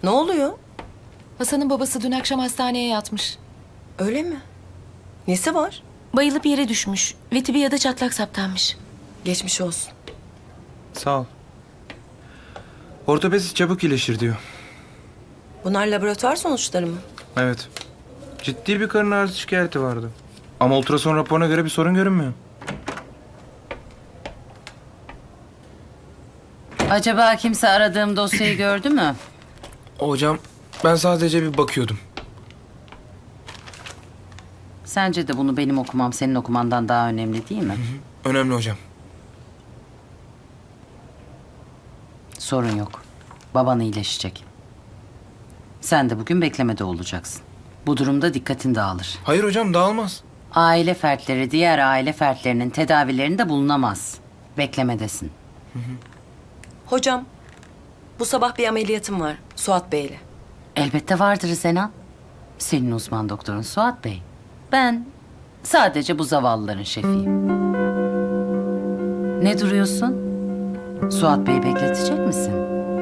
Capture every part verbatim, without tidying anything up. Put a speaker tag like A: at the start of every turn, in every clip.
A: Ne oluyor?
B: Hasan'ın babası dün akşam hastaneye yatmış.
A: Öyle mi? Nesi var?
B: Bayılıp yere düşmüş ve tibi ya da çatlak saptanmış.
A: Geçmiş olsun.
C: Sağ ol. Ortopedist çabuk iyileşir diyor.
A: Bunlar laboratuvar sonuçları mı?
C: Evet. Ciddi bir karın ağrısı şikayeti vardı. Ama ultrason raporuna göre bir sorun görünmüyor.
D: Acaba kimse aradığım dosyayı gördü mü?
C: Hocam ben sadece bir bakıyordum.
D: Sence de bunu benim okumam senin okumandan daha önemli değil mi?
C: Önemli hocam.
D: Sorun yok. Baban iyileşecek. Sen de bugün beklemede olacaksın. Bu durumda dikkatin dağılır.
C: Hayır hocam dağılmaz.
D: Aile fertleri diğer aile fertlerinin tedavilerinde bulunamaz. Beklemedesin.
A: Hocam, bu sabah bir ameliyatım var Suat Bey'le.
D: Elbette vardır Zenan. Senin uzman doktorun Suat Bey. Ben sadece bu zavallıların şefiyim. Ne duruyorsun? Suat Bey'i bekletecek misin?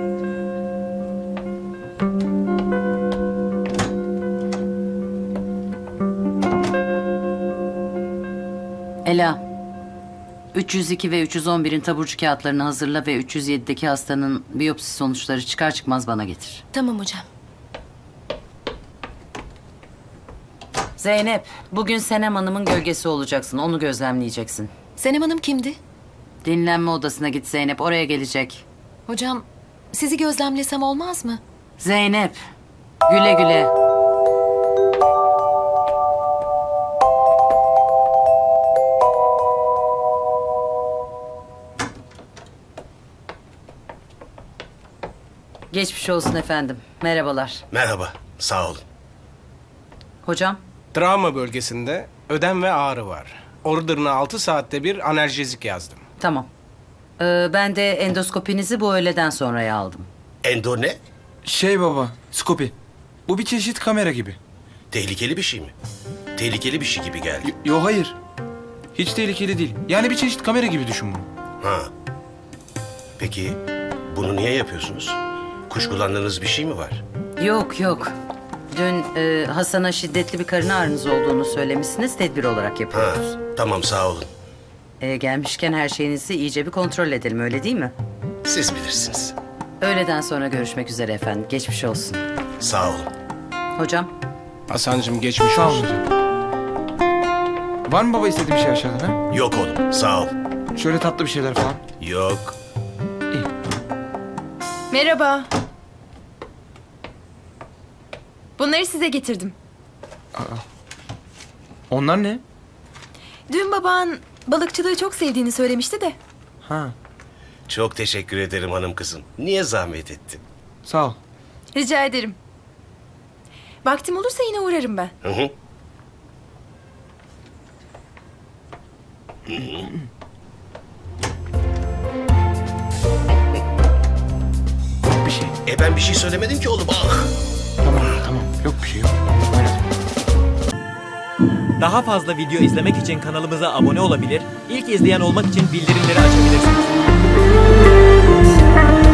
D: Ela, üç yüz iki ve üç yüz on birin taburcu kağıtlarını hazırla ve üç yüz yedideki hastanın biyopsi sonuçları çıkar çıkmaz bana getir.
B: Tamam hocam.
D: Zeynep, bugün Senem Hanım'ın gölgesi olacaksın. Onu gözlemleyeceksin.
B: Senem Hanım kimdi?
D: Dinlenme odasına git Zeynep, oraya gelecek.
B: Hocam sizi gözlemlesem olmaz mı?
D: Zeynep, güle güle. Geçmiş olsun efendim. Merhabalar.
E: Merhaba, sağ olun.
D: Hocam,
F: Travma bölgesinde ödem ve ağrı var. Order'ına altı saatte bir analjezik yazdım.
D: tamam. Ee, ben de endoskopinizi bu öğleden sonraya aldım.
E: Endo ne?
C: Şey baba, skopi. Bu bir çeşit kamera gibi.
E: Tehlikeli bir şey mi? Tehlikeli bir şey gibi geldi.
C: Y- yo hayır. Hiç tehlikeli değil. Yani bir çeşit kamera gibi düşün bunu.
E: Ha. Peki, bunu niye yapıyorsunuz? Kuşkulandığınız bir şey mi var?
D: Yok yok. Dün e, Hasan'a şiddetli bir karın ağrınız olduğunu söylemişsiniz. Tedbir olarak
E: Ha,
D: yapıyoruz.
E: tamam sağ olun.
D: E, gelmişken her şeyinizi iyice bir kontrol edelim, öyle değil mi?
E: Siz bilirsiniz.
D: Öğleden sonra görüşmek üzere efendim. Geçmiş olsun.
E: Sağ olun.
D: Hocam,
F: Hasan'cığım geçmiş
C: Sağ olun
F: olsun.
C: hocam. Var mı baba istediğin bir şey aşağıdan ha?
E: Yok oğlum, sağ ol.
C: Şöyle tatlı bir şeyler falan.
E: Yok.
C: İyi.
G: Merhaba. Bunları size getirdim.
C: Onlar ne?
G: Dün baban balıkçılığı çok sevdiğini söylemişti de.
C: Ha,
E: Çok teşekkür ederim hanım kızım. Niye zahmet ettin?
C: sağ ol.
G: Rica ederim. Vaktim olursa yine uğrarım ben.
E: Hı hı.
C: Bir şey.
E: E ben bir şey söylemedim ki oğlum. Ah!
C: Tamam, tamam. Yok bir şey yok. Oynadım.
H: Daha fazla video izlemek için kanalımıza abone olabilir, ilk izleyen olmak için bildirimleri açabilirsiniz.